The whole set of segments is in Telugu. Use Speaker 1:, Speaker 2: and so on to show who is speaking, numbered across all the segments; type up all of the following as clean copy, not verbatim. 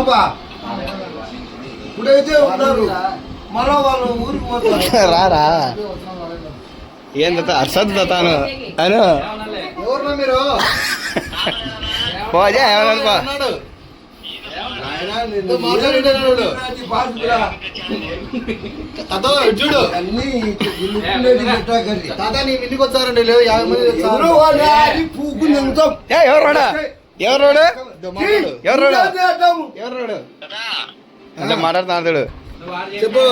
Speaker 1: ఇప్పుడైతే ఉన్నారు మళ్ళా వాళ్ళు ఊరికి పోతారు.
Speaker 2: రారా ఏం అర్సద్ తాను అను
Speaker 1: ఎవరున్నా మీరు
Speaker 2: పోజా ఏమన్నా
Speaker 1: చూడు అన్ని తాత నీ ఇంటికి వచ్చారండి లేదు 50 మంది పూకు నింగుతాం.
Speaker 2: ఎవరు అంటే మాట్లాడుతున్నాడు
Speaker 1: చెప్పు.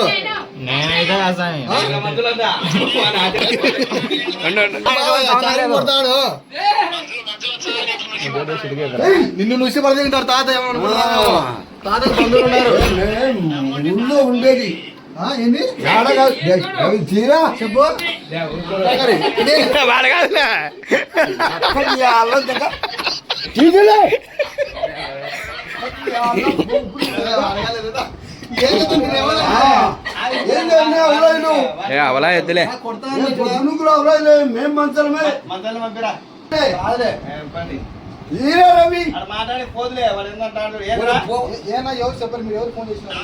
Speaker 1: నిన్ను నుసి పడి తింటారు తాత. తాత బంధువులు ఉన్నారు ఊళ్ళో ఉండేది ఏంది తీరా చెప్పు.
Speaker 2: అవలా ఎద్దులే
Speaker 1: మేము మంచలమే రవి
Speaker 3: మాట్లాడి పోదులే వాడు ఏంటంటాడు
Speaker 1: ఏనా ఎవరు చెప్పారు మీరు ఎవరు ఫోన్ చేసినారు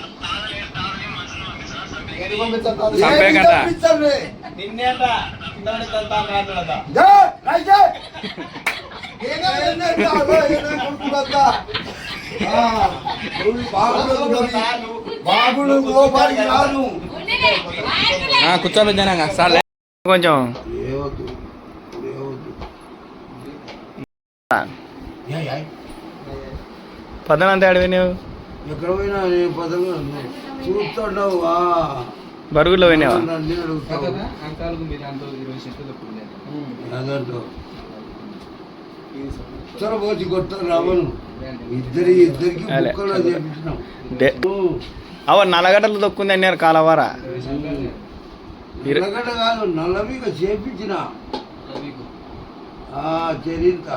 Speaker 3: నిన్నేట
Speaker 2: కూర్చోబెట్టాను సార్ కొంచెం పదనంతా అడివి నువ్వు
Speaker 1: ఎక్కడ పోయినా పదంగా చూస్తున్నావు
Speaker 2: బరుగుల్లో పోయినావా
Speaker 1: పోచి కొట్టారు రావను ఇద్దరికి
Speaker 2: అవ నల్లగడ్డలు తొక్కుంది అన్నారు కాలవారా
Speaker 1: నల్లగడ్డ కాదు నల్లవిగా చేపించిన చరింత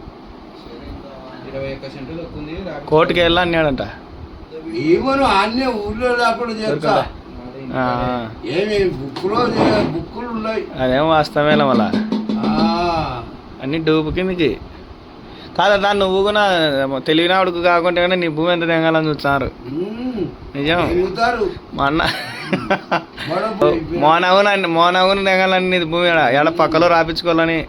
Speaker 3: 21 సెంట్లు తక్కువ
Speaker 2: కోర్టుకి వెళ్ళా అన్నాడంట.
Speaker 1: ఏమను అన్నీ ఊళ్ళో లేకుండా చేస్తా. ఏమి బుక్కులు ఉన్నాయి
Speaker 2: అదేమో వాస్తవేలా మళ్ళా అన్ని డూపు కిందకి కాదా దాన్ని నువ్వు కూడా తెలివినాడుకు కాకుండా కానీ నీ భూమి ఎంత తెంగాలని చూస్తున్నారు. నిజం మా అన్న మోనవును తెంగాలని నీ భూమి ఎడ పక్కలో రాపించుకోవాలని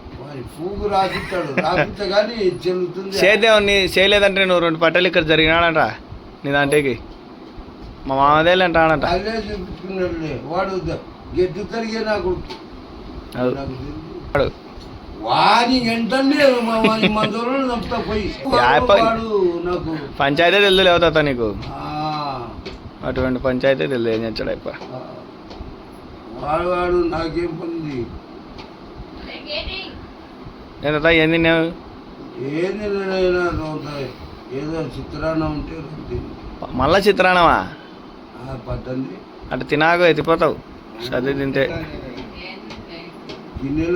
Speaker 2: చేద్దాం. నీ చేయలేదంటే నువ్వు 2 పట్టలు ఇక్కడ జరిగినాడంట నీ దాంట్లోకి మా మామదేళ్ళు అంటాడంట.
Speaker 1: వాడు గెట్టు తరిగే నాకు
Speaker 2: పంచాయతీ తెలుదు లేవుతా నీకు అటువంటి పంచాయతీ తెలుదు ఏం చేస్తాడు అయిపో
Speaker 1: వాడు నాకేం పొంది
Speaker 2: ఎంత ఏం తిన్నావు
Speaker 1: ఏంది ఏదో చిత్రాన్నం ఉంటే
Speaker 2: మళ్ళా చిత్రాన్నమా
Speaker 1: పట్టండి
Speaker 2: అటు తినాకు ఎత్తిపోతావు చదివి తింటే.